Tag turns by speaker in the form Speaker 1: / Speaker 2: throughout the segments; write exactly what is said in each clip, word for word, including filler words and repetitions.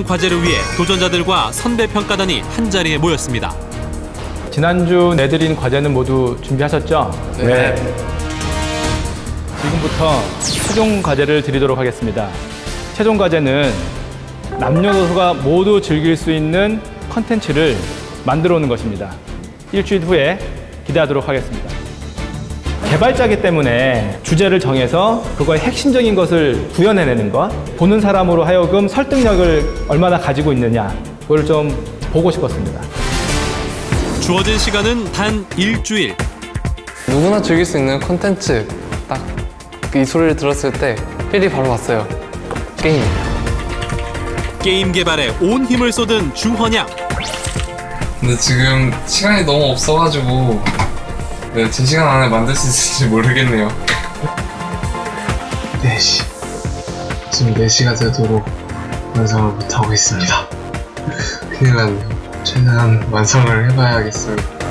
Speaker 1: 과제를 위해 도전자들과 선배 평가단이 한자리에 모였습니다.
Speaker 2: 지난주 내드린 과제는 모두 준비하셨죠?
Speaker 3: 네.
Speaker 2: 지금부터 최종 과제를 드리도록 하겠습니다. 최종 과제는 남녀노소가 모두 즐길 수 있는 컨텐츠를 만들어 오는 것입니다. 일주일 후에 기대하도록 하겠습니다. 개발자이기 때문에 주제를 정해서 그거의 핵심적인 것을 구현해내는 것, 보는 사람으로 하여금 설득력을 얼마나 가지고 있느냐, 그걸 좀 보고 싶었습니다.
Speaker 1: 주어진 시간은 단 일주일.
Speaker 3: 누구나 즐길 수 있는 콘텐츠, 딱 이 소리를 들었을 때 필이 바로 왔어요. 게임.
Speaker 1: 게임 개발에 온 힘을 쏟은 주헌양.
Speaker 4: 근데 지금 시간이 너무 없어가지고 네, 제 시간 안에 만들 수 있을지 모르겠네요. 네 시. 지금 네 시가 되도록 완성을 못하고 있습니다. 큰일 났네요. 최대한 완성을 해봐야겠어요.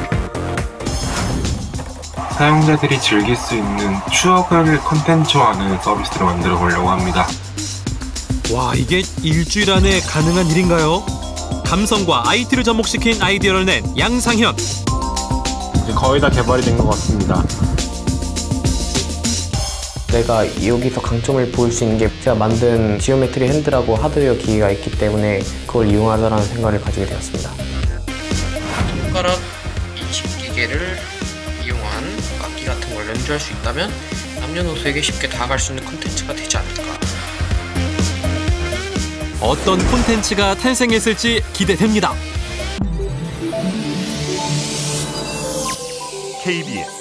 Speaker 5: 사용자들이 즐길 수 있는 추억을 콘텐츠화하는 서비스를 만들어 보려고 합니다.
Speaker 1: 와, 이게 일주일 안에 가능한 일인가요? 감성과 아이티를 접목시킨 아이디어를 낸 양상현.
Speaker 5: 거의 다 개발이 된 것 같습니다.
Speaker 6: 내가 여기서 강점을 보일 수 있는 게 제가 만든 지오메트리 핸드라고 하드웨어 기기가 있기 때문에 그걸 이용하자라는 생각을 가지게 되었습니다.
Speaker 7: 손가락 인식 기계를 이용한 악기 같은 걸 연주할 수 있다면 남녀노소에게 쉽게 다가갈 수 있는 콘텐츠가 되지 않을까.
Speaker 1: 어떤 콘텐츠가 탄생했을지 기대됩니다.
Speaker 8: 케이비에스